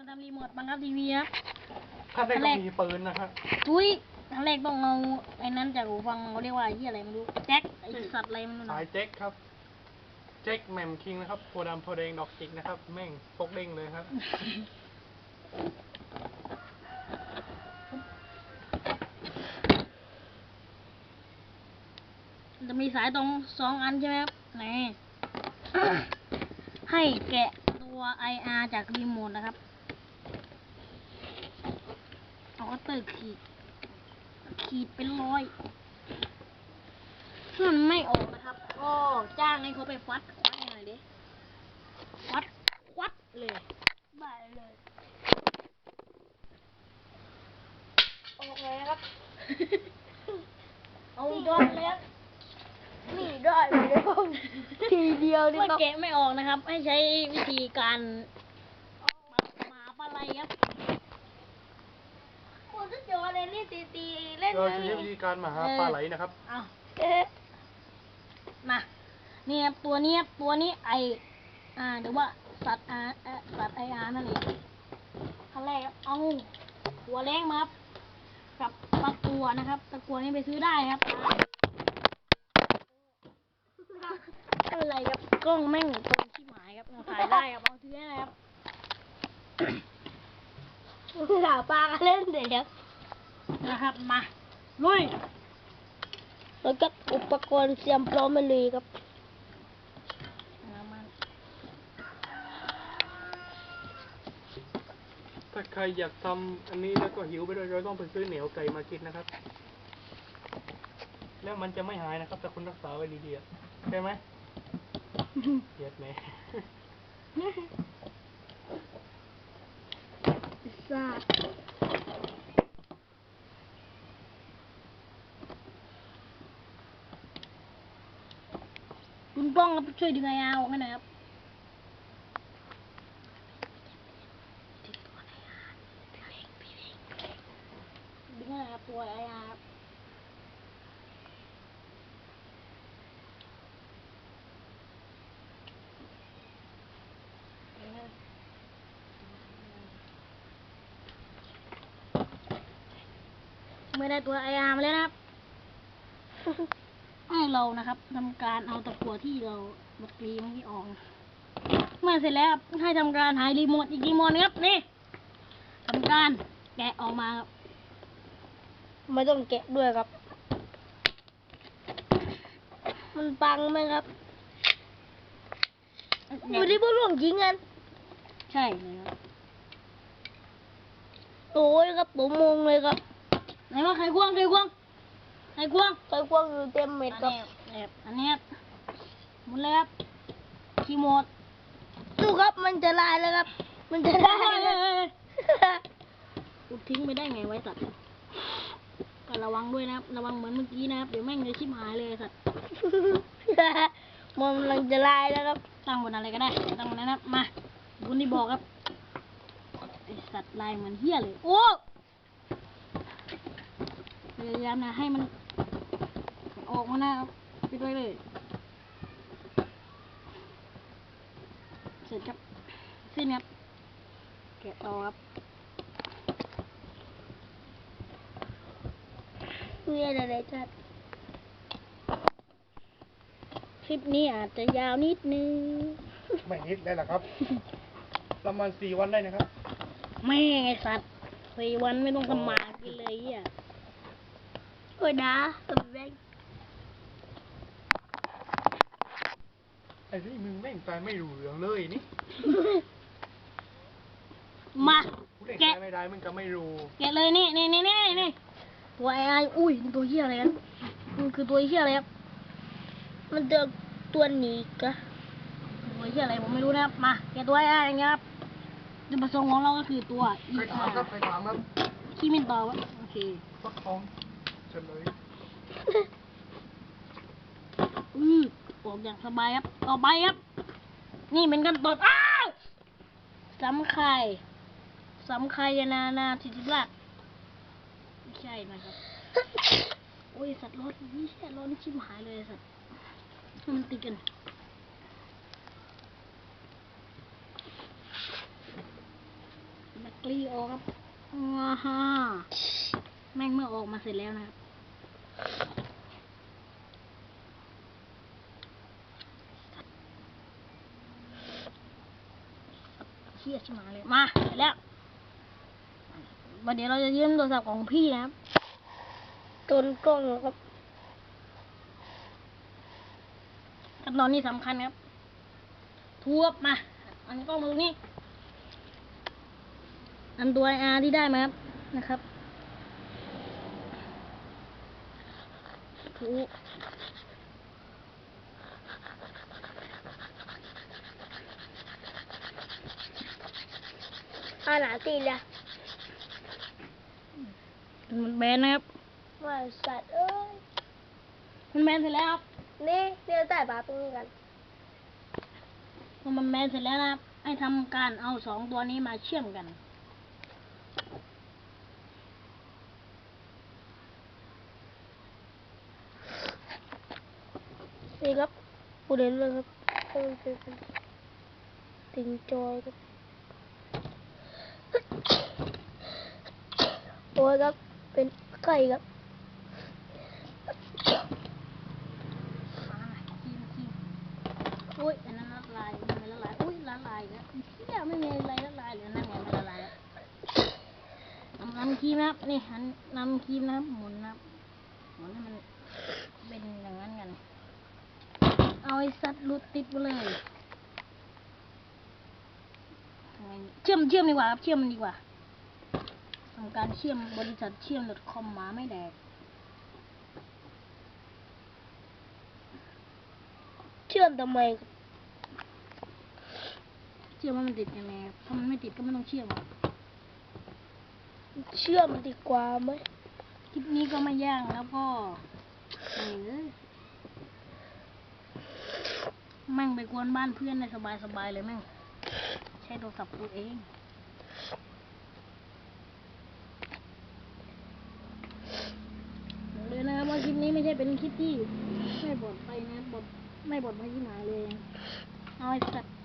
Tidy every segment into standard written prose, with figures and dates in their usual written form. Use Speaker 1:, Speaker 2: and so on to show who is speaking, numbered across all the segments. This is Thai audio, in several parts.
Speaker 1: ทำรีโมทบังคับทีวีครับ
Speaker 2: ขั้นแรกต้องมีปืนนะครับ
Speaker 1: อุ้ยขั้นแรกต้องเอาไอ้นั้นจากหูฟังเขาเรียกว่าที่อะไรไม่รู้แจ็คไอ้สัตว์อะไรไม่รู้นะ
Speaker 2: สายแจ็คครับแจ็คแหม่มคิงนะครับโพดำโพแดงดอกจิกนะครับแม่งปกเด้งเลยครับ
Speaker 1: จะมีสายตรง2 อันใช่ไหมครับนี่ ให้แกะตัว IR จากรีโมทนะครับเอาก็ตึกขีดเป็นรอยถ้ามันไม่ออกนะครับก็จ้างให้เขาไปฟัดหน่อยดิฟัดเลยได้เลยออกเลยครับ เอาย้อนเลยครับนี่ได้เลยทีเดียวนี่ครับแกะไม่ออกนะครับให้ใช้วิธีการหมาปลาไหลครับโอ้จะจออะไรนี่ตีเล่น
Speaker 2: เราจะใช้วิธีการมาหาปลาไหลนะครับ
Speaker 1: เอามานี่ครับตัวนี้หรือว่าสัตว์IR นั่นเองขั้นแรกครับเอาหัวแรงมาครับกับตะกั่วนะครับตะกั่วนี่ไปซื้อได้ครับอะไรครับกล้องแม่งตรงที่หมายครับถ่ายได้ครับเอาซื้อได้ครับหาปลาเล่นเดี๋ยวนะครับมาลุยแล้วก็อุปกรณ์เตรียมพร้อมมาเลยครับ
Speaker 2: ถ้าใครอยากทำอันนี้แล้วก็หิวไปด้วยเราต้องไปซื้อเหนียวไก่มากินนะครับแล้วมันจะไม่หายนะครับแต่คุณรักษาไว้ดีๆใช่ไหมเย็ดแม่
Speaker 1: ซาคุณป้องครับช่วยดึงไอ้อาออกให้หน่อยครับดึงให้หน่อยครับตัวไอ้อาไม่ได้ตัวไออาร์มาแล้วนะครับ ให้เรานะครับทำการเอาตะกั่วที่เราบัดกรีเมื่อกี้ออกเมื่อเสร็จแล้วให้ทำการหารีโมทอีกรีโมทครับนี่ทำการแกะออกมาครับไม่ต้องแกะด้วยครับมันปังไหมครับอยู่ที่พวกหลวงจริงกันใช่เลยครับโอ้ยครับผมมงเลยครับไหนว่าใครควงอยู่เต็มเม็ดครับอันนี้หมดแล้วครับคีโมดดูครับมันจะลายแล้วครับมันจะลายเลยอุดทิ้งไปได้ไงไว้สัตว์ก็ระวังด้วยนะครับระวังเหมือนเมื่อกี้นะครับเดี๋ยวแม่งจะชิบหายเลยสัตว์มันกำลังจะลายแล้วครับตั้งบนอะไรก็ได้ตั้งบนนั้นนะมาคุณที่บอกครับไอสัตว์ลายเหมือนเหี้ยเลยโอ้พยายามนะให้มันออกมาหน้าไปด้วยเลยเสร็จครับสิ้นครับแกะต่อครับนี่อะไรจัดคลิปนี้อาจจะยาวนิดนึง
Speaker 2: ไม่นิดได้หรอครับประมาณ4 วันได้นะครับ
Speaker 1: ไม่ไงสัตว์4 วันไม่ต้องทำมากินเลยอ่ะโอ้ยนะตัวแม่ง
Speaker 2: ไอ้นี่มึงแม่งใจไม่รู้เรื่องเลยนี่
Speaker 1: มา
Speaker 2: แกะไม่ได้มึงก็ไม่รู้
Speaker 1: แกะเลยนี่ตัวไอ้อุ้ยตัวเหี้ยอะไรกันมันคือตัวเหี้ยอะไรครับมันเจอตัวหนีกะตัวเหี้ยอะไรผมไม่รู้นะครับมาแกะตัวไอ้อย่างเงี้ยครับจุดประสงค์ของเราก็คือตัว
Speaker 2: ใครถามครับ
Speaker 1: ขี้มินต่อวะโอเค
Speaker 2: ฟักทองเฉลย
Speaker 1: ออกอย่างสบายครับต่อไปครับนี่เป็นขั้นตอนอ้าวสำไข่นาทิติราชไม่ใช่นะครับโอ้ยสัตว์ร้อนนี่แค่ร้อนชิบหายเลยสัตว์มันติดกันกลีออกครับว้าฮ่าแม่งเมื่อออกมาเสร็จแล้วนะครับเชี่ยชิบหายเลยมาเสร็จแล้ววันเดี๋ยวเราจะยืมโทรศัพท์ของพี่นะครับตนกล้องครับขั้นตอนนี้สำคัญครับทุบมาอันกล้องมาตรงนี้อันตัว R ที่ได้มาครับนะครับทุบ
Speaker 3: หนาตีละ
Speaker 1: มันแบนนะครับ
Speaker 3: ว่าสัตว์เอ้ย
Speaker 1: มันแบนเสร็จแล้วครับ
Speaker 3: นี่เดี๋ยวใส่ปลาตรงนี้กัน
Speaker 1: พอมันแบนเสร็จแล้วนะครับให้ทำการเอาสองตัวนี้มาเชื่อมกัน
Speaker 3: นี่ครับปูเด่นเลยครับต้องเป็นติงจอยครับโอ้ยครับเป็นไก่ครับ
Speaker 1: อุ้ยอันนั้นละลายไม่ละลายอุ้ยละลายแล้วเที่ยไม่มีอะไรละลายเลยนั่นไงไม่ละลายแล้วนำครีมนะครับนี่หันนำครีมนะครับหมุนนะครับหมุนให้มันเป็นอย่างนั้นกันเอาไอ้สัตว์หลุดติดไปเลยทำไงเชื่อมดีกว่าครับเชื่อมมันดีกว่าทำการเชื่อมบริษัทเชื่อม .com หมาไม่แดก
Speaker 3: เชื่อมทำไมครับ
Speaker 1: เชื่อมว่ามันติดยังไงครับถ้ามันไม่ติดก็ไม่ต้องเชื่อมครับ
Speaker 3: เชื่อมดีกว่าไหม
Speaker 1: คลิปนี้ก็ไม่ยากแล้วก็แม่งไปกวนบ้านเพื่อนได้สบายเลยแม่งใช้โทรศัพท์ตัวเองบอกเลยนะครับว่าคลิปนี้ไม่ใช่เป็นคลิปที่ไม่บดไปนะบดไม่บดไม่ที่หมายเลยเอาไอ้สัตว์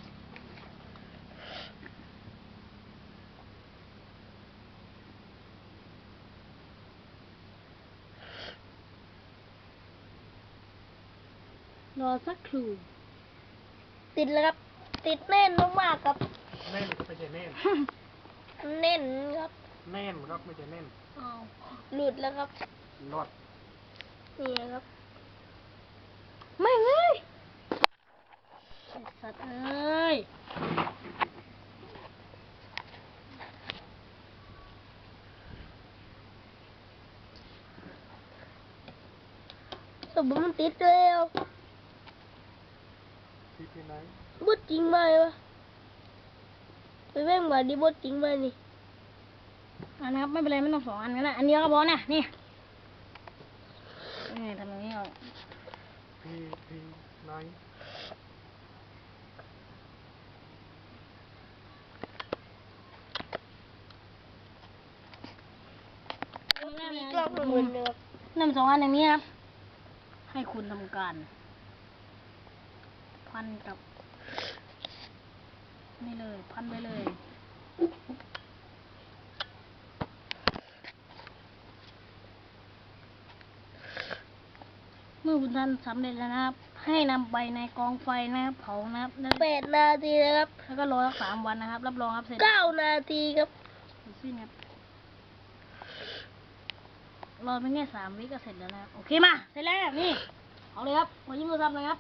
Speaker 1: รอสักครู่
Speaker 3: ติดแล้วครับ ติดแน่นมากๆครับ
Speaker 2: แน่นก็ไม่ใช่แน่น
Speaker 3: แน่นครับ
Speaker 2: แน่นครับไม่ใช่แน่น
Speaker 3: อ้าวหลุดแล้วครับ
Speaker 2: รอด
Speaker 3: นี่นะครับ
Speaker 1: ไม่งเลยไอ้สัตว์เอ้ย
Speaker 3: สมมติมันติดแล้ว
Speaker 2: ที่ไหน
Speaker 3: บดจริงไหมวะไปแม่งมาดิบดจริงไหมนี่
Speaker 1: อันนะครับไม่เป็นไรไม่ต้องสองอันก็ได้อันเดียวก็พอนะนี่นี่ทำอย่างนี้เอา
Speaker 2: ที่ไหน
Speaker 3: มีกล้องเหมือนเดิม
Speaker 1: นำสองอันอย่างนี้ครับให้คุณทำการ พันกับนี่เลยพันไปเลยเมื่อคุณท่านสำเร็จแล้วนะครับ ให้นำไปในกองไฟนะครับเผานะครับแล้ว
Speaker 3: 8 นาทีนะครับ
Speaker 1: แล้วก็รอสัก3 วันนะครับ รับรองครับเสร็จ
Speaker 3: 9 นาทีครับ
Speaker 1: สิ้นครับรอไปแค่3 วิก็เสร็จแล้วนะครับโอเคมาเสร็จแล้วนี่เอาเลยครับมายิ้มโทรศัพท์เลยครับ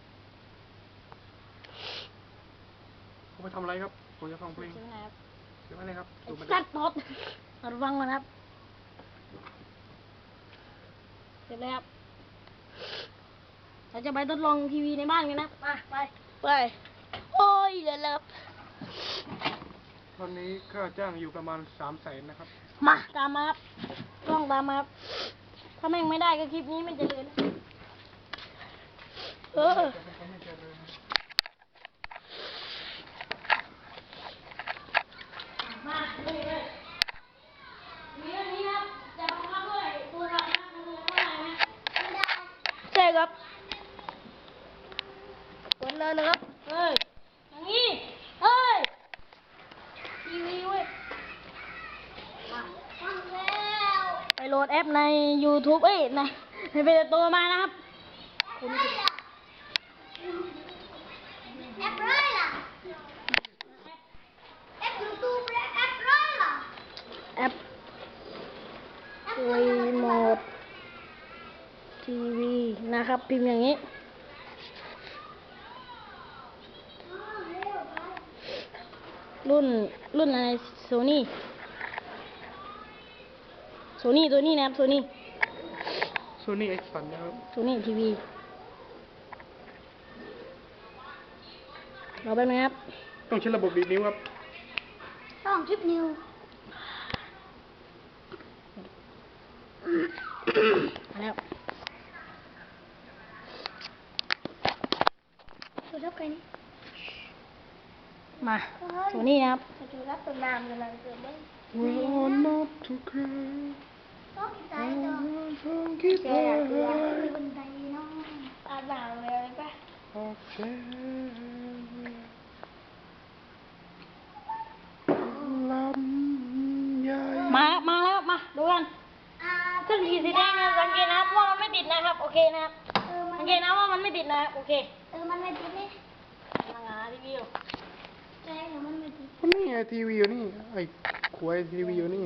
Speaker 2: เขาไปทำอะไรครับผมจะฟังเพลง
Speaker 1: เสร็จแล้วนะครับ
Speaker 2: เดี๋ยวอะไรครับดูมัน
Speaker 1: สัตว์ตดเราฟังก่อนครับเสร็จแล้วครับเราจะไปทดลองทีวีในบ้านกันนะมาไป
Speaker 3: ไป โอ้ยเดี๋ยวแล้วครับ
Speaker 2: ตอนนี้ค่าจ้างอยู่ประมาณ300,000นะครับ
Speaker 1: มาตามมาครับกล้องตามมาครับถ้าแม่งไม่ได้ก็คลิปนี้ไม่เจริญ
Speaker 2: ไม่เจอเลย
Speaker 1: มาเลยมีเรื่องนี้ครับจะบังคับด้วยตัวเรานะมันเลยว่าอะไรนะไม่ได้
Speaker 3: ใช่ครับกดแล้วนะครับ
Speaker 1: เฮ้ยอย่างนี้เฮ้ยทีวีเว้ยโหลดแอปใน YouTube ในเพจตัวมานะครับคุณ
Speaker 3: แอปร้อยล่ะแอปยูทูบและแอปร้อยล่ะ
Speaker 1: แอปรีโมททีวีนะครับพิมพ์อย่างนี้รุ่นอะไรโซนี่ตัวนี้นะครับโซนี่
Speaker 2: Sony Ericsson นะครับ
Speaker 1: โซนี่ทีวีรอแป๊บนึงครับ
Speaker 2: ต้องใช้ระบบดีดนิ้วครับ
Speaker 3: ต้องทริปนิว
Speaker 1: มาแล้ว
Speaker 3: ดูรับใครนี่
Speaker 1: มาโซนี่นะครับ
Speaker 3: ดูรับตัวนามกำลังเกิดบ้าง
Speaker 2: Well, not to cry.
Speaker 3: ต้องใจต่อ
Speaker 2: Don't keep
Speaker 3: แกอยากเรียนมีบันไดเนาะอาบน้ำเลยป่ะ
Speaker 2: ลำใหญ่
Speaker 1: มาแล้วมาดูกัน
Speaker 3: อ่า
Speaker 1: เครื่องขีดสีแดงเนี่ยสังเกตนะครับว่ามันไม่ติดนะครับโอเคนะครับ
Speaker 3: มั
Speaker 1: สั
Speaker 3: น
Speaker 1: งเกตนะว่ามันไม่ติดนะครับโอเค
Speaker 3: มันไม่ติดนี่
Speaker 1: กำลังหารีวิว
Speaker 3: ใช่หรือมันไม่ติด
Speaker 2: นี่ไงทีวีอยู่นี่ ไอ้ขวายทีวีอยู่นี่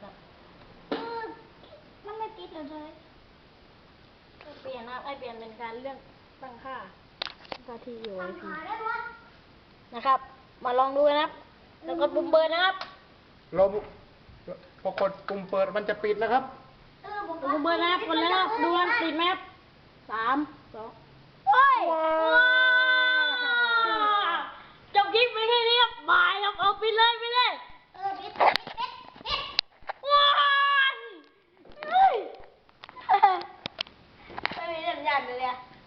Speaker 3: มันไม่ติดเลย
Speaker 1: เปลี่ยนนะครับเปลี่ยนเป็นการเลือกตั้งค่าที่อยู่ไว้พี
Speaker 3: หาได้วะ
Speaker 1: นะครับ มาลองดูนะครับ แล้วก็ปุ่มเบิร์นะครับ
Speaker 2: เราพอกดปุ่มเปิดมันจะปิดนะครับ
Speaker 1: ปุ่มเบิร์นะครับกดแล้วนะครับดูกันติดไหมครับ3 2
Speaker 3: โอ้ย
Speaker 1: จบคลิปไปแค่นี้ครับบายครับเอาไปเลย
Speaker 3: ปิด
Speaker 1: ว้าวเฮ้ยไม่มีสัญญาณเลยอะ